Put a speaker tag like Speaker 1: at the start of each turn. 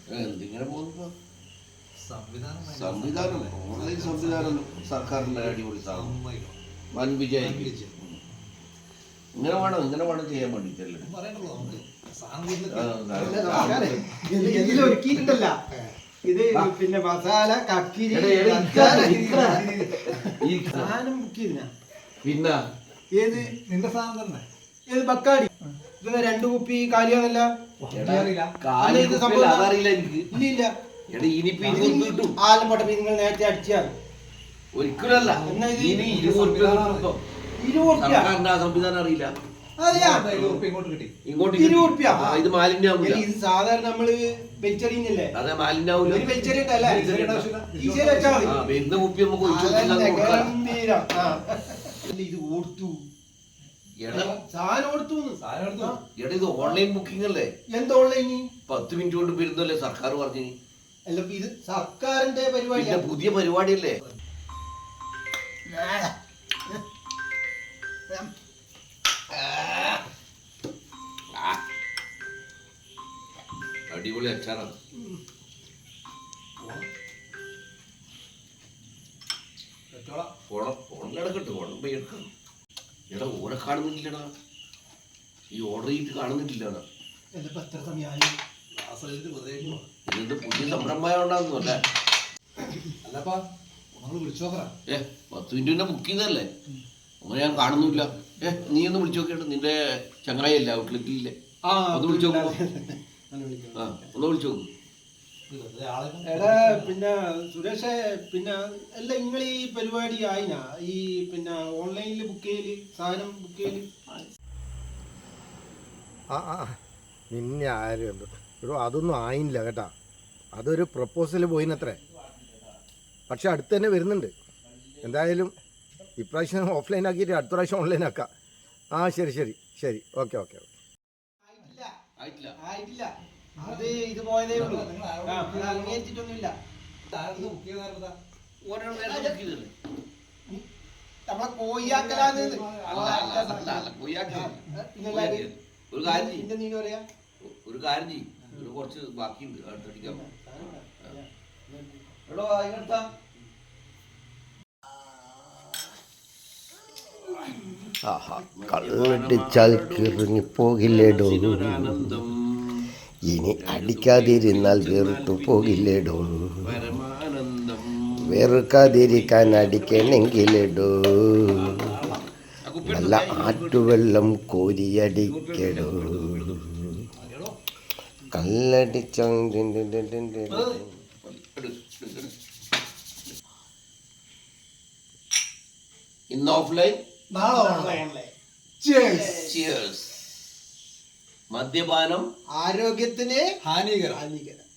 Speaker 1: എന്തിങ്ങനെ പോകുന്നു? സംവിധാനം ഓൺലൈൻ സംവിധാനം സർക്കാരിന്റെ അടിപൊളി സാധനം, വൻ വിജയിക്കും. ഇങ്ങനെ വേണം ചെയ്യാൻ വേണ്ടിട്ടല്ലേ
Speaker 2: ഒരുക്കിയിട്ടുണ്ടല്ല. ഇത് പിന്നെ മസാല കക്കിരി സാധനം ബുക്ക് ചെയ്തിനാ.
Speaker 1: പിന്നെ
Speaker 2: ഏത് നിന്റെ സാധനം തന്നെ? ഏത് ബക്കാടി? ഇത് 2 കുപ്പി കാലിയാന്നല്ല.
Speaker 1: അതറിയില്ല എനിക്ക്.
Speaker 2: ഇല്ല
Speaker 1: ആലം
Speaker 2: പോട്ടെ, നിങ്ങൾ നേരത്തെ അടിച്ചാൽ
Speaker 1: ഒരിക്കലല്ല. സംവിധാനം അറിയില്ല. ഇങ്ങോട്ട് ഇത് മാലിന്യാവൂല.
Speaker 2: ഇത് സാധാരണ നമ്മള് വെളിച്ചെറിയുന്നില്ലേ?
Speaker 1: അതെ, മാലിന്യാവൂല.
Speaker 2: ഒരു വെളിച്ചെറിയട്ടല്ല,
Speaker 1: വരുന്ന കുപ്പി നമുക്ക്
Speaker 2: ഇത് ഓർത്തു സാധനം ഓർത്തു.
Speaker 1: ഇത് ഓൺലൈൻ ബുക്കിംഗ് അല്ലേ?
Speaker 2: എന്താ ഓൺലൈൻ?
Speaker 1: 10 മിനിറ്റ് കൊണ്ട് വരുന്നല്ലേ സർക്കാർ പറഞ്ഞു.
Speaker 2: അല്ല, ഇത് സർക്കാരിന്റെ പരിപാടി,
Speaker 1: പുതിയ പരിപാടിയല്ലേ? അടിപൊളി അച്ചാറാണ്. ഫോണിലടക്കട്ടെ, ഫോൺ പോയി എടുക്കാം. എടാ ഓരെ കാണുന്നില്ലടാ, ഈ ഓർഡർ ചെയ്തിട്ട് കാണുന്നില്ലടാ. ഇത് പുതിയ സംരംഭമായോണ്ടാന്നു അല്ലേ? 10 മിനിറ്റ് ബുക്ക് ചെയ്തല്ലേ? അങ്ങനെ ഞാൻ കാണുന്നില്ല. നീ ഒന്ന് വിളിച്ചു നോക്കിയിട്ട്, നിന്റെ ചങ്ങായില്ല ഔട്ട്ലെറ്റില്ലേ? ഒന്ന് വിളിച്ചു നോക്കൂ. ഒന്ന് വിളിച്ചു നോക്കൂ.
Speaker 2: എടാ പിന്നെ സുരേഷേ, പിന്നെ അല്ല നിങ്ങൾ ഈ പരിപാടി ആയിനാ? ഈ പിന്നെ ഓൺലൈനിൽ ബുക്ക് ചെയ്യല്, സാധനം ബുക്ക് ചെയ്യല്?
Speaker 3: നിന്നെ ആരും ഒരു അതൊന്നും ആയില്ല കേട്ടാ. അതൊരു പ്രപ്പോസൽ പോയിനത്രേ. പക്ഷെ അടുത്ത് തന്നെ വരുന്നുണ്ട്. എന്തായാലും ഇപ്രാവശ്യം ഓഫ്ലൈൻ ആക്കിയിട്ട് അടുത്ത പ്രാവശ്യം ഓൺലൈൻ ആക്കാം. ശരി ശരി ശരി, ഓക്കെ ഓക്കെ ഓക്കെ.
Speaker 2: ആയിട്ടില്ല, അത് ഇത് പോയതേ ഉള്ളൂ. അംഗീകരിച്ചിട്ടൊന്നുമില്ല. നമ്മളെ കോയിയാക്കലാന്ന്.
Speaker 1: ഒരു കാര്യം ചെയ്യും, കുറച്ച് ബാക്കിയുണ്ട്, അടുത്തടിക്കാം.
Speaker 4: കള്ളടിച്ചാൽ കിറങ്ങി പോകില്ലേടോ, ഇനി അടിക്കാതിരുന്നാൽ വെറുത്തു പോകില്ലേടോ, വെറുക്കാതിരിക്കാൻ അടിക്കണമെങ്കിലേടോ, നല്ല ആറ്റുവെള്ളം കോരിയടിക്കടോ. കള്ളടിച്ച
Speaker 1: ഇന്ന് ഓഫ്ലൈൻ, മദ്യപാനം
Speaker 2: ആരോഗ്യത്തിന് ഹാനികരം.